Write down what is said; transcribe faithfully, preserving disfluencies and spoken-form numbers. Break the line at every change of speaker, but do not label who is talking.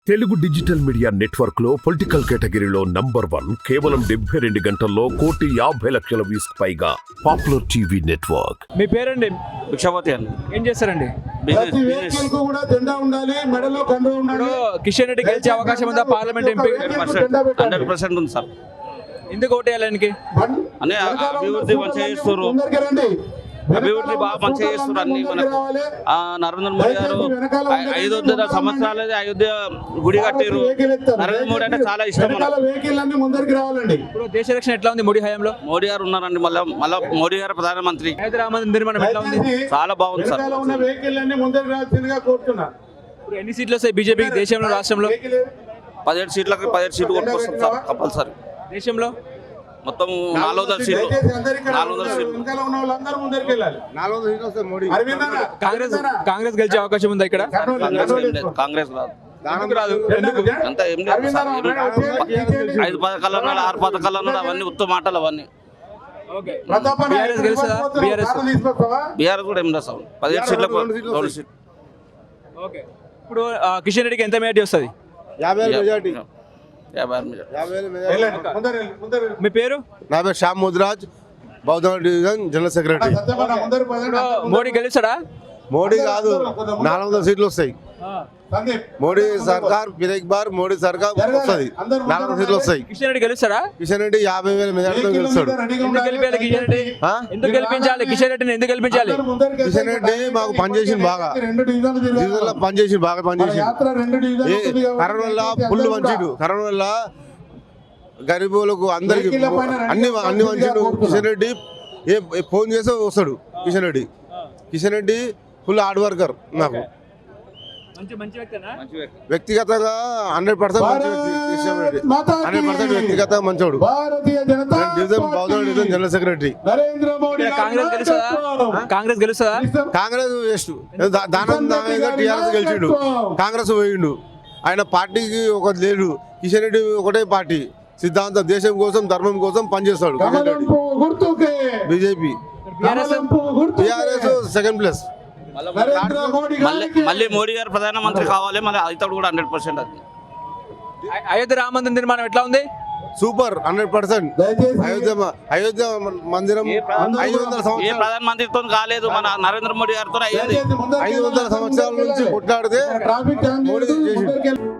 Telugu digital media network లో political కేటగిరీలో number one కేవలం డెబ్బై రెండు గంటల్లో కోటి యాభై లక్షల వ్యూస్ పైగా పాపులర్ టీవీ నెట్వర్క్.
మీ పేరండి?
భిక్షపతి అండి.
ఏం చేస్తారండి?
బిజినెస్ బిజినెస్
ఇప్పుడు కిషన్ రెడ్డి గెలిచే అవకాశం ఉందా పార్లమెంట్ ఎంపీ?
హండ్రెడ్ పర్సెంట్ ఉంది సార్.
ఎందుకు ఓటేయాలనికి?
అనే అభివృద్ధి మంచిగా చేస్తారు, అభివృద్ధి బాగా మంచిగా చేస్తారు అన్ని. మనకు ఆ నరేంద్ర మోడీ గారు ఐదు వందల సంవత్సరాలు అయోధ్య గుడి కట్టారు. నరేంద్ర మోడీ అంటే చాలా ఇష్టం మనకు.
ఇప్పుడు దేశ రక్షణ ఎట్లా ఉంది మోడీ హయాంలో?
మోడీ గారు ఉన్నారండి, మళ్ళీ మళ్ళీ మోడీ గారు ప్రధానమంత్రి.
హైదరాబాద్ నిర్మాణం ఎట్లా ఉంది?
చాలా బాగుంది సార్.
ఇప్పుడు ఎన్ని సీట్లు వస్తాయి బీజేపీకి దేశంలో, రాష్ట్రంలో?
పదిహేడు సీట్లకి పదిహేడు సీట్లు కొట్టుకొస్తాం సార్ కంపల్సరీ.
దేశంలో
మొత్తం నాలుగు వందల సీట్లు నాలుగు వందల సీట్లు
కాంగ్రెస్ కాంగ్రెస్ గెలిచే అవకాశం ఉందా ఇక్కడ?
కాంగ్రెస్ ఏం లేదు, కాంగ్రెస్ రాదు. అంతా ఏం లేదు సార్. ఏం- ఐదు పథకాలు అన్నాడు, ఆరు పథకాలు అన్నాడు, అవన్నీ ఉత్తమ మాటలు అవన్నీ.
బీఆర్ఎస్ గెలుస్తుందా? బీఆర్ఎస్
బీఆర్ కూడా ఏం లేదు సార్. పదిహేడు సీట్లకు రెండు సీట్లు.
ఓకే. ఇప్పుడు ఆ, కిషన్ రెడ్డికి ఎంత మెజార్టీ వస్తుంది?
యాభై ఆరు మెజార్టీ.
మీ పేరు?
నా పేరు Shyam Mudraj, Bauddha division general secretary.
Modi గెలుస్తాడా?
మోడీ కాదు, నాలుగు వందల సీట్లు వస్తాయి. మోడీ సర్కార్ ఫిర్ ఎక్ బార్ మోడీ సర్కార్ వస్తుంది, నాలుగు వందల సీట్లు వస్తాయి.
కిషన్ రెడ్డి గెలుస్తాడా?
కిషన్ రెడ్డి యాభై వేల మెజార్టీతో గెలుస్తాడు.
ఎందుకు గెలిపించాలి కిషన్ రెడ్డి?
ఆ?
ఎందుకు గెలిపించాలి కిషన్ రెడ్డిని? ఎందుకు గెలిపించాలి?
కిషన్ రెడ్డి మాకు పనిచేసింది బాగా, డివిజన్లో పనిచేసింది బాగా పనిచేసింది. కరోనా వల్ల ఫుల్ మంచిడు, కరోనా వల్ల గరీబులకు అందరికి అన్ని అన్ని మంచిడు. కిషన్ రెడ్డి ఏ ఏ ఫోన్ చేస్తే వస్తాడు. Kishan Reddy Kishan Reddy full hard worker. నాకు
మంచి మంచి వ్యక్తినా?
వ్యక్తిగతంగా హండ్రెడ్ పర్సెంట్ మంచి వ్యక్తి కిషన్ రెడ్డి, హండ్రెడ్ పర్సెంట్ వ్యక్తిగతంగా మంచోడు. డివిజన్ బౌద్ధ డివిజన్ జనరల్ సెక్రటరీ.
ఇక్కడ కాంగ్రెస్ గెలుస్తుందా? కాంగ్రెస్ గెలుస్తుందా?
కాంగ్రెస్ వేస్ట్, దానం టీఆర్ఎస్ గెలిచిండు, కాంగ్రెస్ పోయిండు. ఆయన పార్టీకి ఒక లేడు. కిషన్ రెడ్డి ఒకటే పార్టీ, సిద్ధాంతం దేశం కోసం ధర్మం కోసం పనిచేస్తాడు Kishan Reddy. BJP TRS second place.
మళ్ళీ మళ్ళీ మోడీ గారు ప్రధానమంత్రి కావాలి, మళ్ళీ అవుతాడు కూడా హండ్రెడ్ పర్సెంట్. అది
అ- అయోధ్య రామ మందిర నిర్మాణం ఎట్లా ఉంది?
Super, hundred percent. Ayodhya Ayodhya మందిరం ఐదు వందల
ఏ
సంవత్సరాలు
ప్రధానమంత్రితో కాలేదు, మన నరేంద్ర మోడీ గారితో అయ్యింది.
ఐదు వందల సంవత్సరాల నుంచి కొట్లాడితే మోడీ చేసిండు.